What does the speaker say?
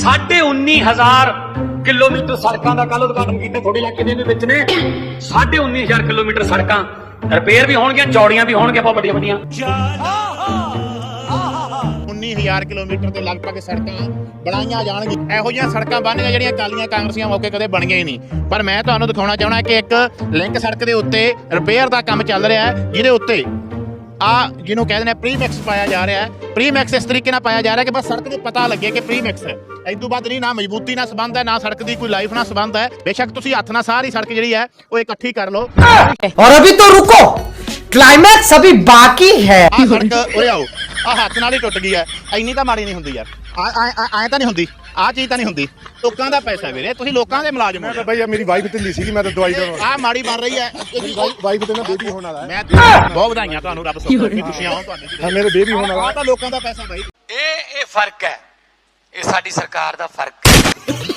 19,500 kilometre ਸੜਕਾਂ ਦਾ ਕੱਲ ਉਦਘਾਟਨ ਕੀਤਾ ਤੁਹਾਡੇ ਇਲਾਕੇ ਦੇ ਵਿੱਚ ਨੇ। 19,500 ਕਿਲੋਮੀਟਰ ਸੜਕਾਂ ਰਿਪੇਅਰ ਵੀ ਹੋਣਗੀਆਂ, ਚੌੜੀਆਂ ਵੀ ਹੋਣਗੀਆਂ, ਬਹੁਤ ਵੱਡੀਆਂ ਵੱਡੀਆਂ। 19,000 ਕਿਲੋਮੀਟਰ ਤੇ ਲਗਭਗ ਸੜਕਾਂ ਬਣਾਈਆਂ ਜਾਣਗੀਆਂ। ਇਹੋ ਜਿਹੀਆਂ ਸੜਕਾਂ ਬਣਨੀਆਂ ਜਿਹੜੀਆਂ ਕਾਲੀਆਂ ਕਾਂਗਰਸੀਆਂ ਮੌਕੇ ਕਦੇ ਬਣੀਆਂ ਹੀ ਨਹੀਂ। ਪਰ ਮੈਂ ਤੁਹਾਨੂੰ ਦਿਖਾਉਣਾ ਚਾਹਣਾ ਕਿ ਇੱਕ ਲਿੰਕ ਸੜਕ ਦੇ ਉੱਤੇ ਰਿਪੇਅਰ ਦਾ ਕੰਮ ਚੱਲ ਰਿਹਾ ਹੈ, ਜਿਹਦੇ ਉੱਤੇ ਜਿਹਨੂੰ ਕਹਿੰਦੇ ਨੇ ਪ੍ਰੀਮੈਕਸ ਪਾਇਆ ਜਾ ਰਿਹਾ ਹੈ। ਪ੍ਰੀਮੈਕਸ ਇਸ ਤਰੀਕੇ ਨਾਲ ਪਾਇਆ ਜਾ ਰਿਹਾ ਕਿ ਬਸ ਸੜਕ ਨੂੰ ਪਤਾ ਲੱਗੇ ਕਿ ਪ੍ਰੀਮੈਕਸ ਹੈ। ਇਸ ਤੋਂ ਬਾਅਦ ਨਹੀਂ, ਨਾ ਮਜ਼ਬੂਤੀ ਨਾਲ ਸੰਬੰਧ ਹੈ, ਨਾ ਸੜਕ ਦੀ ਕੋਈ ਲਾਈਫ ਨਾਲ ਸੰਬੰਧ ਹੈ। ਬੇਸ਼ੱਕ ਤੁਸੀਂ ਹੱਥ ਨਾਲ ਸਾਰੀ ਸੜਕ ਜਿਹੜੀ ਹੈ ਉਹ ਇਕੱਠੀ ਕਰ ਲਓ। और अभी तो रुको, क्लाइमैक्स अभी बाकी है। ਸੜਕ ਉਰੇ ਆਓ, ਹੱਥ ਨਾਲ ਹੀ ਟੁੱਟ ਗਈ ਹੈ। ਇੰਨੀ ਤਾਂ ਮਾੜੀ ਨਹੀਂ ਹੁੰਦੀ ਯਾਰ, ਐ ਤਾਂ ਨਹੀਂ ਹੁੰਦੀ, ਆਹ ਚੀਜ਼ ਤਾਂ ਨਹੀਂ ਹੁੰਦੀ। ਲੋਕਾਂ ਦਾ ਪੈਸਾ ਵੀਰੇ, ਤੁਸੀਂ ਲੋਕਾਂ ਦੇ ਮੁਲਾਜ਼ਮ ਹੋ। ਭਾਈ ਮੇਰੀ ਵਾਈਫ ਢਿੱਲੀ ਸੀਗੀ, ਮੈਂ ਤਾਂ ਦਵਾਈ ਦੇਵਾਂ। ਆਹ ਮਾੜੀ ਬਣ ਰਹੀ ਹੈ। ਵਾਈਫ ਤੇ ਨਾ ਬੇਬੀ ਹੋਣ ਵਾਲਾ ਹੈ। ਮੈਂ ਬਹੁਤ ਵਧਾਈਆਂ ਤੁਹਾਨੂੰ, ਰੱਬ ਸੋਚੇ ਖੁਸ਼ੀਆਂ ਹੋਣ ਤੁਹਾਨੂੰ। ਹਾਂ, ਮੇਰੇ ਬੇਬੀ ਹੋਣ ਵਾਲਾ। ਆਹ ਤਾਂ ਲੋਕਾਂ ਦਾ ਪੈਸਾ ਬਾਈ। ਇਹ ਫਰਕ ਹੈ, ਇਹ ਸਾਡੀ ਸਰਕਾਰ ਦਾ ਫਰਕ ਹੈ।